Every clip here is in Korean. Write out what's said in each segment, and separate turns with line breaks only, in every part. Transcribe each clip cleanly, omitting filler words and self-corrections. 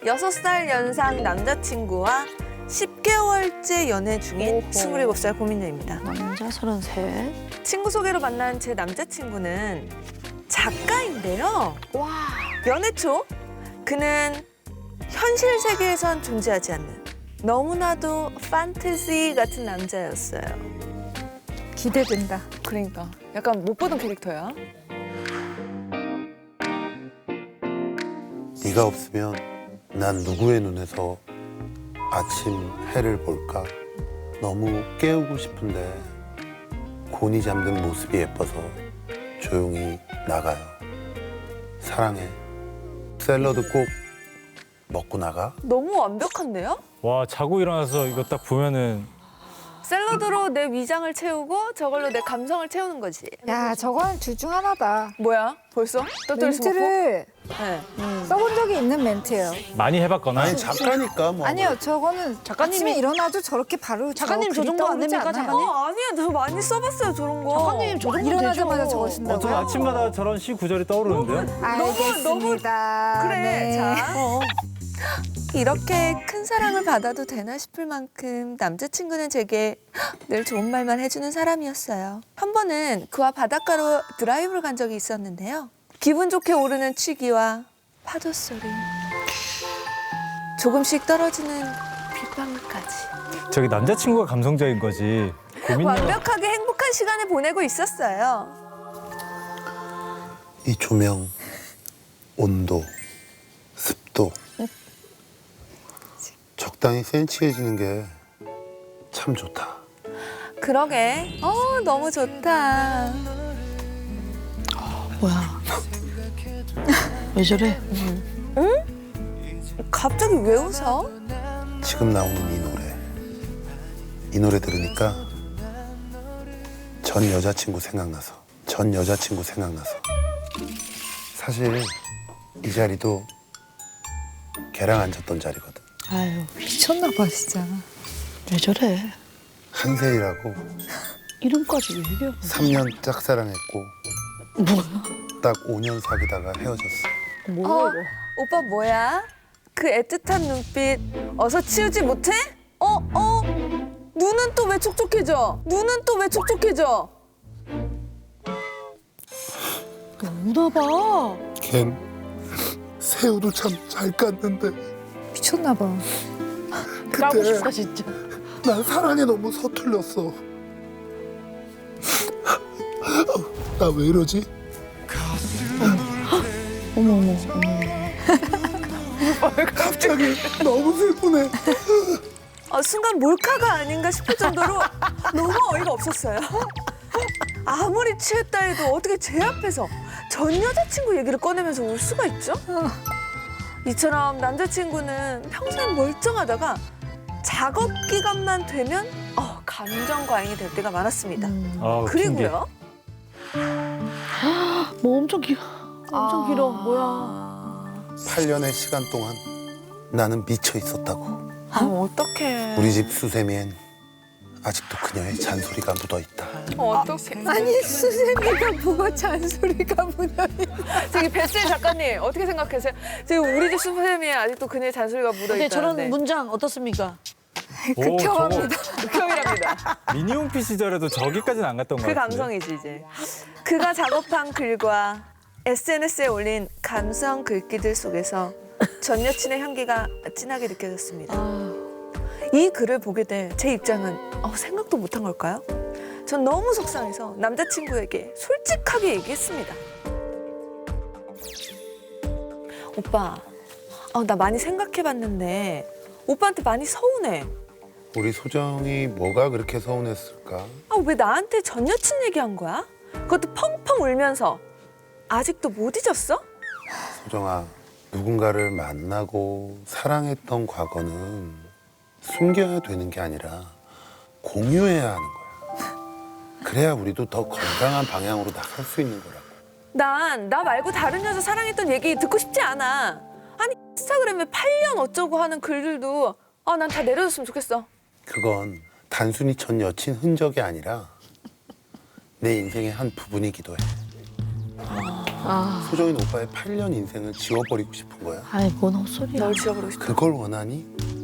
6살 연상 남자친구와 10개월째 연애 중인
오호.
27살 고민녀입니다.
남자 33.
친구 소개로 만난 제 남자친구는 작가인데요.
와.
연애 초 그는 현실 세계에선 존재하지 않는 너무나도 판타지 같은 남자였어요.
기대된다.
그러니까 약간 못 보던 캐릭터야.
네가 없으면 난 누구의 눈에서 아침 해를 볼까? 너무 깨우고 싶은데 곤히 잠든 모습이 예뻐서 조용히 나가요. 사랑해. 샐러드 꼭 먹고 나가?
너무 완벽한데요?
와, 자고 일어나서 이거 딱 보면은
샐러드로 내 위장을 채우고 저걸로 내 감성을 채우는 거지.
야, 저건 둘 중 하나다.
뭐야? 벌써? 떠들이
멘트를
네.
써본 적이 있는 멘트예요.
많이 해봤거나
아니 작가니까 뭐.
아니요, 저거는
작가님이-
아침에 일어나도 저렇게 바로
작가님 저
글이
정도 안
떠오르지
됩니까,
않아요?
작가님?
아니야. 저 많이 써봤어요, 저런 거.
작가님 저 정도
일어나자마자
되죠.
저거
저
쓴다고요?
아침마다 저런 시 구절이 떠오르는데요?
알겠습니다.
그래,
네.
자. 이렇게 큰 사랑을 받아도 되나 싶을 만큼 남자친구는 제게 늘 좋은 말만 해주는 사람이었어요. 한 번은 그와 바닷가로 드라이브를 간 적이 있었는데요. 기분 좋게 오르는 취기와 파도 소리, 조금씩 떨어지는 빗방울까지.
저기 남자친구가 감성적인 거지. 고민녀가
완벽하게 행복한 시간을 보내고 있었어요.
이 조명, 온도, 습도 적당히 센치해지는 게 참 좋다.
그러게, 너무 좋다.
뭐야? 왜 저래?
갑자기 왜 웃어?
지금 나오는 이 노래. 이 노래 들으니까 전 여자친구 생각나서. 사실 이 자리도 걔랑 앉았던 자리거든.
아유,
미쳤나 봐, 진짜.
왜 저래?
한셀이라고
이름까지 왜 이래?
3년 짝사랑했고
뭐야?
딱 5년 사귀다가 헤어졌어.
뭐야 이거?
오빠 뭐야? 그 애틋한 눈빛 어서 치우지 못해? 눈은 또 왜 촉촉해져?
우나 봐.
걘 새우도 참 잘 깠는데
미쳤나 봐.
까고 싶다 진짜.
난 사랑에 너무 서툴렀어. 나 왜 이러지?
어머.
갑자기 너무 슬프네.
순간 몰카가 아닌가 싶을 정도로 너무 어이가 없었어요. 아무리 취했다 해도 어떻게 제 앞에서 전 여자친구 얘기를 꺼내면서 울 수가 있죠? 이처럼 남자친구는 평소엔 멀쩡하다가 작업 기간만 되면 감정 과잉이 될 때가 많았습니다.
아,
그리고요.
뭐 엄청 길어. 엄청 길어. 뭐야?
8년의 시간 동안 나는 미쳐 있었다고.
어떡해.
우리 집 수세미엔 아직도 그녀의 잔소리가 묻어 있다.
어떡해.
아니, 수세미가 뭐가 잔소리가 묻어있어.
저기 베슬 작가님 어떻게 생각하세요? 지금 우리 집 수세미에 아직도 그녀의 잔소리가
근데
묻어있다는데.
저런 문장 어떻습니까?
극혐합니다.
극혐이랍니다.
미니홈피 시절에도 저기까지는 안 갔던 것
그
같은데.
감성이지 이제. 그가 작업한 글과 SNS에 올린 감성 글귀들 속에서 전 여친의 향기가 진하게 느껴졌습니다. 이 글을 보게 된 제 입장은 생각도 못한 걸까요? 전 너무 속상해서 남자친구에게 솔직하게 얘기했습니다. 오빠, 나 많이 생각해봤는데 오빠한테 많이 서운해.
우리 소정이 뭐가 그렇게 서운했을까?
왜 나한테 전 여친 얘기한 거야? 그것도 펑펑 울면서. 아직도 못 잊었어?
소정아, 누군가를 만나고 사랑했던 과거는 숨겨야 되는 게 아니라 공유해야 하는 거야. 그래야 우리도 더 건강한 방향으로 나갈 수 있는 거라고.
난 나 말고 다른 여자 사랑했던 얘기 듣고 싶지 않아. 아니 인스타그램에 8년 어쩌고 하는 글들도 난 다 내려줬으면 좋겠어.
그건 단순히 전 여친 흔적이 아니라 내 인생의 한 부분이기도 해. 소정인 오빠의 8년 인생을 지워버리고 싶은 거야.
아이 뭔 헛소리야.
널 지워버리고 싶어.
그걸 원하니?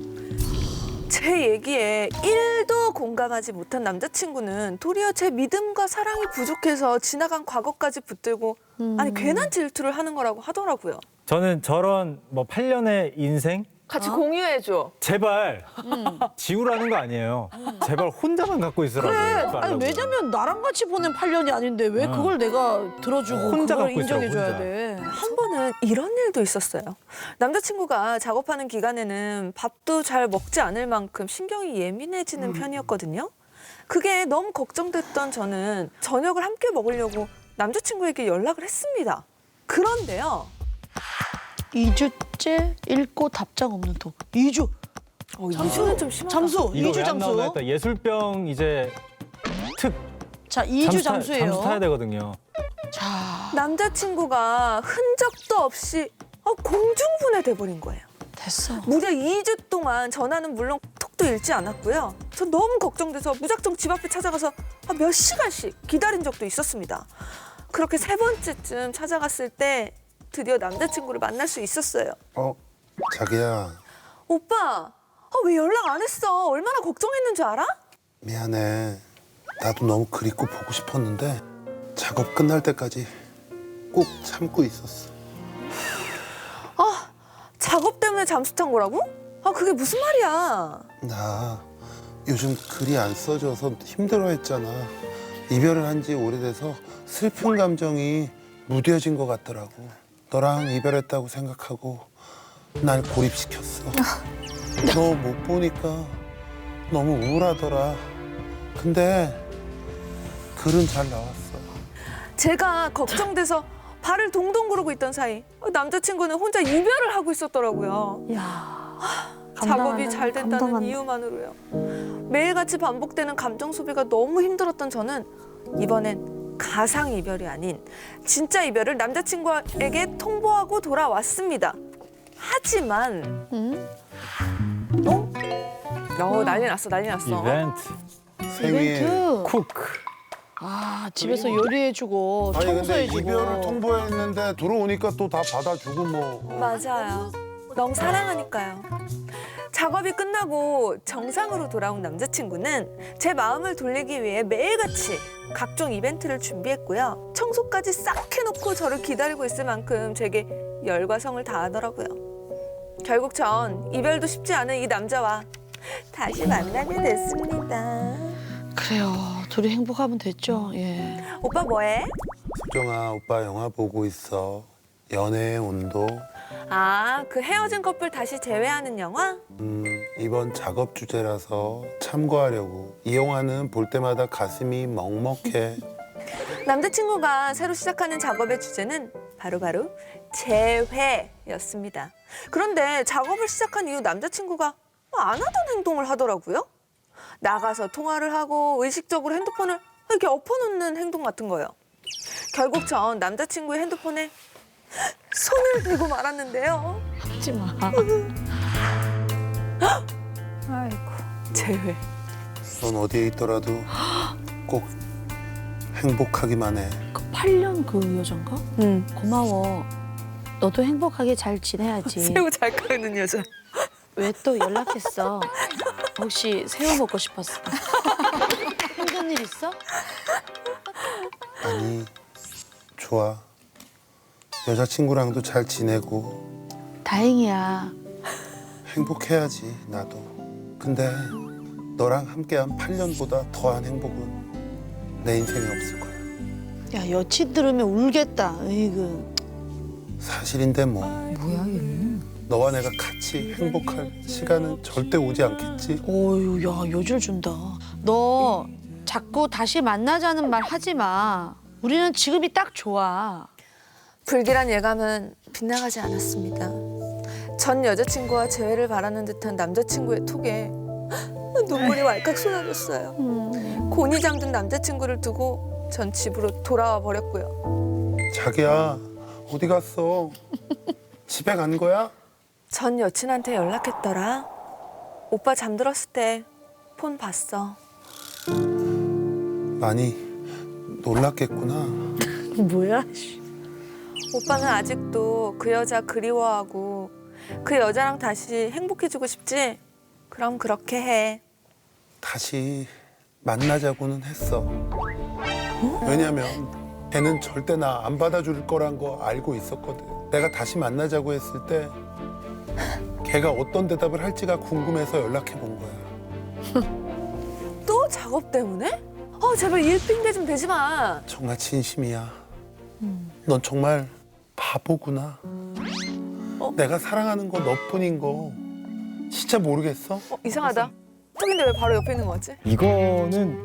제 얘기에 1도 공감하지 못한 남자친구는 도리어 제 믿음과 사랑이 부족해서 지나간 과거까지 붙들고 아니 괜한 질투를 하는 거라고 하더라고요.
저는 저런 뭐 8년의 인생
같이 공유해줘.
제발 지우라는 거 아니에요. 제발 혼자만 갖고 있으라고.
아니 왜냐면 나랑 같이 보낸 8년이 아닌데 왜 그걸 내가 들어주고
혼자
그걸
갖고 있으라고,
인정해줘야
혼자.
돼.
한 번은 이런 일도 있었어요. 남자친구가 작업하는 기간에는 밥도 잘 먹지 않을 만큼 신경이 예민해지는 편이었거든요. 그게 너무 걱정됐던 저는 저녁을 함께 먹으려고 남자친구에게 연락을 했습니다. 그런데요.
2주째 읽고 답장 없는 톡. 2주.
잠수는 좀 심하다.
잠수.
이거
2주
왜 안 나오나
잠수.
했다. 예술병 이제 특
자, 2주 잠수예요.
잠수 타야 되거든요.
자,
남자친구가 흔적도 없이 공중분해 돼버린 거예요.
됐어.
무려 2주 동안 전화는 물론 톡도 읽지 않았고요. 저 너무 걱정돼서 무작정 집 앞에 찾아가서 몇 시간씩 기다린 적도 있었습니다. 그렇게 3번째쯤 찾아갔을 때 드디어 남자친구를 만날 수 있었어요.
자기야,
오빠, 왜 연락 안 했어? 얼마나 걱정했는 줄 알아?
미안해. 나도 너무 그립고 보고 싶었는데 작업 끝날 때까지 꼭 참고 있었어.
작업 때문에 잠수 탄 거라고? 그게 무슨 말이야?
나 요즘 글이 안 써져서 힘들어했잖아. 이별을 한 지 오래돼서 슬픈 감정이 무뎌진 것 같더라고. 너랑 이별했다고 생각하고 날 고립시켰어. 너 못 보니까 너무 우울하더라. 근데 글은 잘 나왔어.
제가 걱정돼서 발을 동동 구르고 있던 사이 남자친구는 혼자 이별을 하고 있었더라고요.
야.
작업이 잘 된다는
감당한다.
이유만으로요. 매일같이 반복되는 감정 소비가 너무 힘들었던 저는 이번엔 가상 이별이 아닌 진짜 이별을 남자친구에게 통보하고 돌아왔습니다. 하지만 난리 났어.
이벤트,
생일.
이벤트.
쿡.
아, 집에서 요리해주고
아니 근데
청소해주고.
이별을 통보했는데 들어오니까 또 다 받아주고 뭐.
맞아요. 너무 사랑하니까요. 작업이 끝나고 정상으로 돌아온 남자친구는 제 마음을 돌리기 위해 매일같이 각종 이벤트를 준비했고요. 청소까지 싹 해놓고 저를 기다리고 있을 만큼 제게 열과 성을 다하더라고요. 결국 전 이별도 쉽지 않은 이 남자와 다시 만나게 됐습니다.
그래요. 둘이 행복하면 됐죠. 예.
오빠 뭐해?
소정아, 오빠 영화 보고 있어. 연애의 온도.
그 헤어진 커플 다시 재회하는 영화?
이번 작업 주제라서 참고하려고. 이 영화는 볼 때마다 가슴이 먹먹해.
남자친구가 새로 시작하는 작업의 주제는 바로 재회였습니다. 그런데 작업을 시작한 이후 남자친구가 안 하던 행동을 하더라고요. 나가서 통화를 하고 의식적으로 핸드폰을 이렇게 엎어놓는 행동 같은 거예요. 결국 전 남자친구의 핸드폰에 손을 대고 말았는데요.
하지 마.
아이고.
재회.
넌 어디에 있더라도 꼭 행복하기만 해.
그 8년 그 여잔가?
응.
고마워. 너도 행복하게 잘 지내야지.
새우 잘 깎는 여자.
왜 또 연락했어? 혹시 새우 먹고 싶었어? 힘든 일 있어?
아니, 좋아. 여자친구랑도 잘 지내고
다행이야.
행복해야지, 나도. 근데 너랑 함께한 8년보다 더한 행복은 내 인생에 없을 거야.
야, 여친 들으면 울겠다. 으이그.
사실인데 뭐.
뭐야 얘는?
너와 내가 같이 행복할 시간은 절대 오지 않겠지?
어유, 야, 여줄 준다. 너 자꾸 다시 만나자는 말 하지 마. 우리는 지금이 딱 좋아.
불길한 예감은 빗나가지 않았습니다. 전 여자친구와 재회를 바라는 듯한 남자친구의 톡에 눈물이 왈칵 쏟아졌어요. 곤히 잠든 남자친구를 두고 전 집으로 돌아와 버렸고요.
자기야, 어디 갔어? 집에 간 거야?
전 여친한테 연락했더라. 오빠 잠들었을 때 폰 봤어.
많이 놀랐겠구나.
뭐야?
오빠는 아직도 그 여자 그리워하고 그 여자랑 다시 행복해지고 싶지? 그럼 그렇게 해.
다시 만나자고는 했어. 왜냐면 걔는 절대 나 안 받아줄 거란 거 알고 있었거든. 내가 다시 만나자고 했을 때 걔가 어떤 대답을 할지가 궁금해서 연락해 본 거야.
또 작업 때문에? 제발 일핑계 좀 대지 마.
정말 진심이야. 넌 정말 바보구나. 내가 사랑하는 거 너뿐인 거 진짜 모르겠어?
이상하다. 턱인데 왜 바로 옆에 있는 거 같지?
이거는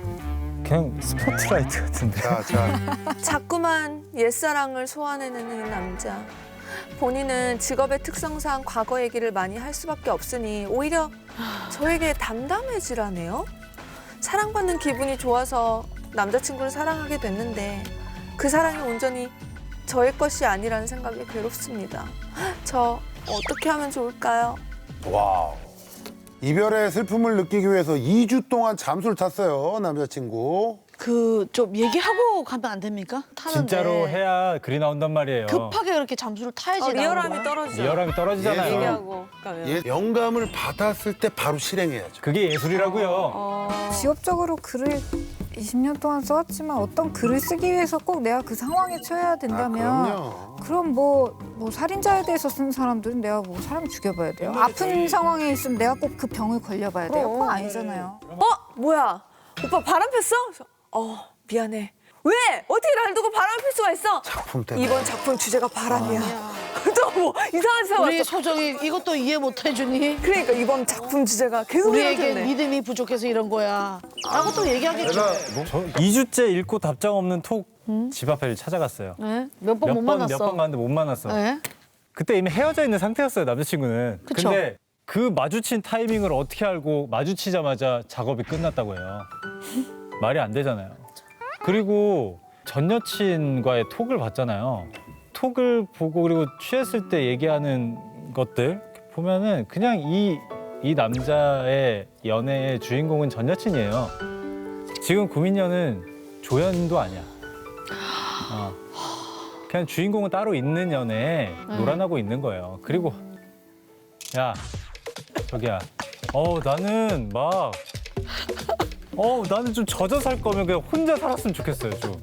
그냥 스포트라이트 같은데.
자.
자꾸만 옛사랑을 소환해내는 이 남자. 본인은 직업의 특성상 과거 얘기를 많이 할 수밖에 없으니 오히려 저에게 담담해지라네요. 사랑받는 기분이 좋아서 남자친구를 사랑하게 됐는데 그 사랑이 온전히 저의 것이 아니라는 생각이 괴롭습니다. 저 어떻게 하면 좋을까요?
와우. 이별의 슬픔을 느끼기 위해서 2주 동안 잠수를 탔어요, 남자친구.
그 좀 얘기하고 가면 안 됩니까? 타는데.
진짜로 해야 글이 나온단 말이에요.
급하게 그렇게 잠수를 타야지.
리얼함이
나오는 거야.
떨어지죠.
리얼함이 떨어지잖아요.
얘기하고 가면.
얘 영감을 받았을 때 바로 실행해야죠.
그게 예술이라고요.
직업적으로 글을 20년 동안 써왔지만 어떤 글을 쓰기 위해서 꼭 내가 그 상황에 처해야 된다면
그럼요.
그럼 뭐 살인자에 대해서 쓴 사람들은 내가 뭐 사람 죽여봐야 돼요. 아픈 상황에 있으면 내가 꼭 그 병을 걸려봐야 돼요. 그건 아니잖아요.
뭐야? 오빠 바람 폈어? 그래서, 미안해. 왜? 어떻게 날 두고 바람 필 수가 있어?
작품 때문에.
이번 작품 주제가 바람이야. 또 뭐 이상한 사람
우리
왔어.
소정이 이것도 이해 못 해주니?
그러니까 이번 작품 주제가 계속
우리에게
이러네.
믿음이 부족해서 이런 거야. 라고 또 얘기하겠죠.
저 2주째 읽고 답장 없는 톡 집 앞에 찾아갔어요.
네? 몇 번 못 만났어.
몇 번 갔는데 못 만났어.
네?
그때 이미 헤어져 있는 상태였어요, 남자친구는.
그쵸.
근데 그 마주친 타이밍을 어떻게 알고 마주치자마자 작업이 끝났다고 해요. 말이 안 되잖아요. 그리고 전 여친과의 톡을 봤잖아요. 톡을 보고 그리고 취했을 때 얘기하는 것들 보면은 그냥 이 남자의 연애의 주인공은 전 여친이에요. 지금 구민현은 조연도 아니야. 그냥 주인공은 따로 있는 연애에 놀아나고 있는 거예요. 그리고 야, 저기야. 나는 좀 젖어 살 거면 그냥 혼자 살았으면 좋겠어요, 좀.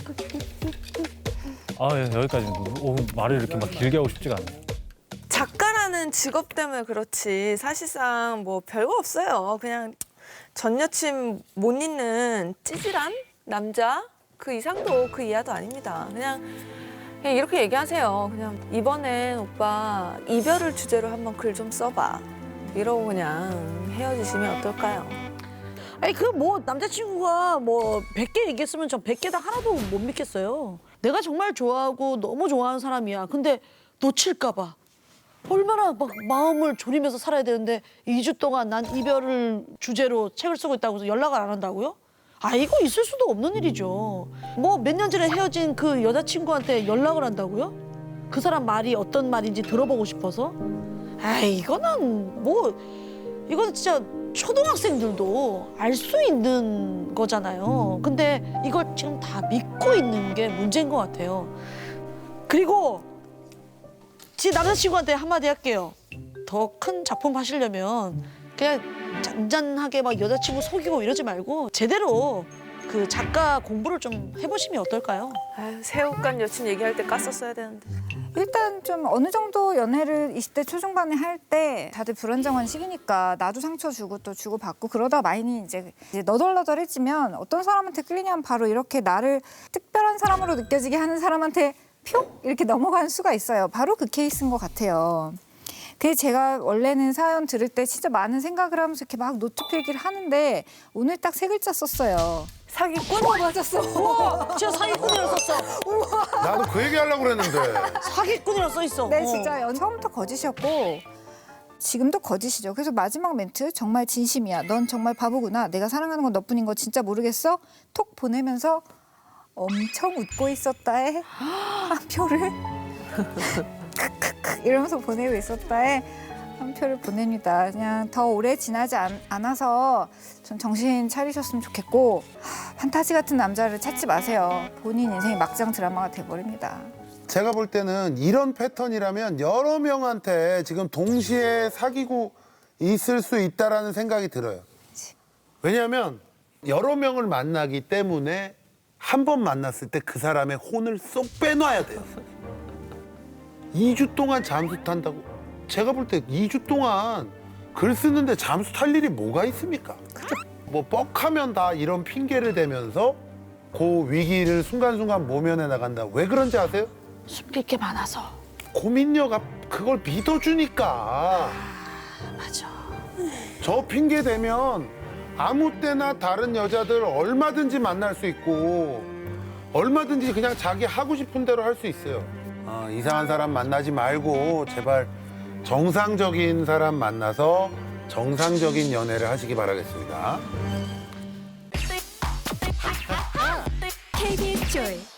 여기까지. 말을 이렇게 막 길게 하고 싶지가 않아요.
작가라는 직업 때문에 그렇지 사실상 뭐 별거 없어요. 그냥 전 여친 못 잊는 찌질한 남자 그 이상도 그 이하도 아닙니다. 그냥 이렇게 얘기하세요. 그냥 이번엔 오빠 이별을 주제로 한번 글 좀 써봐. 이러고 그냥 헤어지시면 어떨까요?
아니 그 뭐 남자친구가 뭐 100개 얘기했으면 저 100개 다 하나도 못 믿겠어요. 내가 정말 좋아하고 너무 좋아하는 사람이야. 근데 놓칠까 봐. 얼마나 막 마음을 졸이면서 살아야 되는데 2주 동안 난 이별을 주제로 책을 쓰고 있다고 해서 연락을 안 한다고요? 이거 있을 수도 없는 일이죠. 뭐 몇 년 전에 헤어진 그 여자친구한테 연락을 한다고요? 그 사람 말이 어떤 말인지 들어보고 싶어서? 이거는 진짜 초등학생들도 알 수 있는 거잖아요. 근데 이걸 지금 다 믿고 있는 게 문제인 것 같아요. 그리고 제 남자친구한테 한마디 할게요. 더 큰 작품 하시려면 그냥 잔잔하게 막 여자친구 속이고 이러지 말고 제대로 그 작가 공부를 좀 해보시면 어떨까요?
새우깡 여친 얘기할 때 깠었어야 되는데.
일단 좀 어느 정도 연애를 20대 초중반에 할 때 다들 불안정한 시기니까 나도 상처 주고 또 주고받고 그러다 마인이 이제 너덜너덜해지면 어떤 사람한테 끌리냐면 바로 이렇게 나를 특별한 사람으로 느껴지게 하는 사람한테 표 이렇게 넘어가는 수가 있어요. 바로 그 케이스인 것 같아요. 그래서 제가 원래는 사연 들을 때 진짜 많은 생각을 하면서 이렇게 막 노트 필기를 하는데 오늘 딱 3글자 썼어요.
사기꾼?
맞았어.
진짜 사기꾼이라고 썼어.
나도 그 얘기 하려고 그랬는데.
사기꾼이라고 써 있어.
네, 진짜 처음부터 거짓이었고 지금도 거짓이죠. 그래서 마지막 멘트 정말 진심이야. 넌 정말 바보구나. 내가 사랑하는 건 너뿐인 거 진짜 모르겠어? 톡 보내면서 엄청 웃고 있었다에 한 표를 크크크 이러면서 보내고 있었다에 한 표를 보냅니다. 그냥 더 오래 지나지 않아서 좀 정신 차리셨으면 좋겠고 판타지 같은 남자를 찾지 마세요. 본인 인생이 막장 드라마가 돼버립니다.
제가 볼 때는 이런 패턴이라면 여러 명한테 지금 동시에 사귀고 있을 수 있다라는 생각이 들어요. 왜냐하면 여러 명을 만나기 때문에 한 번 만났을 때 그 사람의 혼을 쏙 빼놔야 돼요. 2주 동안 잠수 탄다고? 제가 볼 때 2주 동안 글 쓰는데 잠수 탈 일이 뭐가 있습니까? 뭐 뻑하면 다 이런 핑계를 대면서 그 위기를 순간순간 모면해 나간다. 왜 그런지 아세요?
숨길 게 많아서.
고민녀가 그걸 믿어주니까.
맞아.
저 핑계 대면 아무 때나 다른 여자들 얼마든지 만날 수 있고 얼마든지 그냥 자기 하고 싶은 대로 할 수 있어요. 이상한 사람 만나지 말고 제발 정상적인 사람 만나서 정상적인 연애를 하시기 바라겠습니다.
KBS 조이